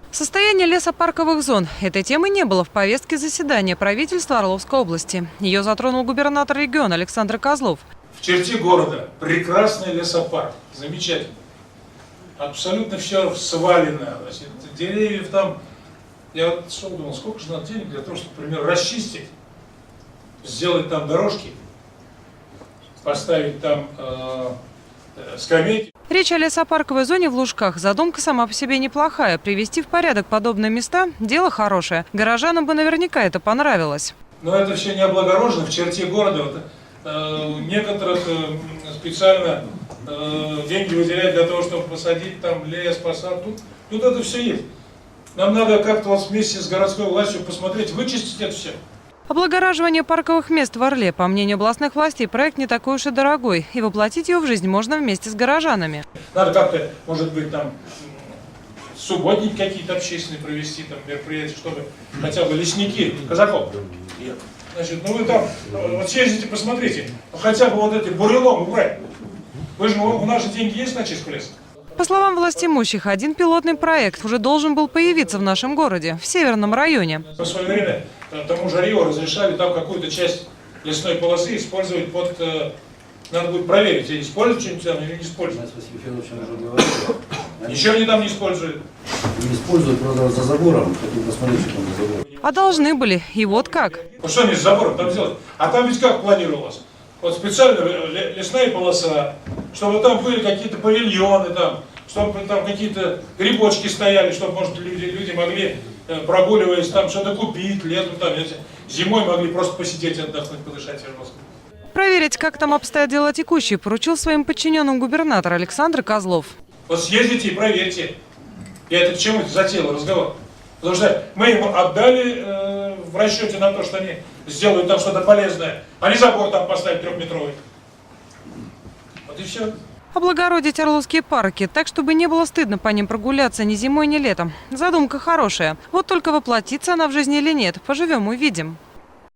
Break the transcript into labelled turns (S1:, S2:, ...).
S1: Состояние лесопарковых зон. Этой темы не было в повестке заседания правительства Орловской области. Ее затронул губернатор региона Александр Козлов.
S2: В черте города прекрасный лесопарк, замечательный. Абсолютно все свалено, значит, деревьев там. Я вот что думал, сколько же надо денег для того, чтобы, например, расчистить, сделать там дорожки, поставить там скамейки.
S1: Речь о лесопарковой зоне в Лужках. Задумка сама по себе неплохая. Привести в порядок подобные места – дело хорошее. Горожанам бы наверняка это понравилось.
S2: Но это все не облагорожено в черте города. Вот, некоторых специально деньги выделяют для того, чтобы посадить там лес, посад. Тут это все есть. Нам надо как-то вот вместе с городской властью посмотреть, вычистить это все.
S1: Облагораживание парковых мест в Орле. По мнению областных властей, проект не такой уж и дорогой. И воплотить его в жизнь можно вместе с горожанами.
S2: Надо как-то, может быть, там субботники какие-то общественные провести, там мероприятия, чтобы хотя бы лесники, казаков. Значит, ну вы там вот съездите, посмотрите, хотя бы вот эти бурелом убрать. Вы же, у нас же деньги есть на чистку леса.
S1: По словам властимущих, один пилотный проект уже должен был появиться в нашем городе, в Северном районе.
S2: В свое время тому же Рио разрешали там какую-то часть лесной полосы использовать под... Надо будет проверить, используют что-нибудь там или не используют. Ничего они там не используют.
S3: Не используют, правда, за забором. Хотим посмотреть, что там за забором.
S1: А должны были. И вот как.
S2: Ну что они с забором там делать? А там ведь как планировалось? Вот специально лесная полоса, чтобы там были какие-то павильоны, там, чтобы там какие-то грибочки стояли, чтобы, может, люди могли, прогуливаясь, там что-то купить, летом, там, зимой могли просто посидеть, отдохнуть, подышать воздухом.
S1: Проверить, как там обстоят дела текущие, поручил своим подчиненным губернатор Александр Козлов.
S2: Вот съездите и проверьте. Я это к чему затеял разговор? Потому что мы им отдали в расчете на то, что они сделают там что-то полезное, а не забор там поставить 3-метровый. Вот и все.
S1: Облагородить орловские парки, так, чтобы не было стыдно по ним прогуляться ни зимой, ни летом. Задумка хорошая. Вот только воплотится она в жизни или нет, поживем – увидим.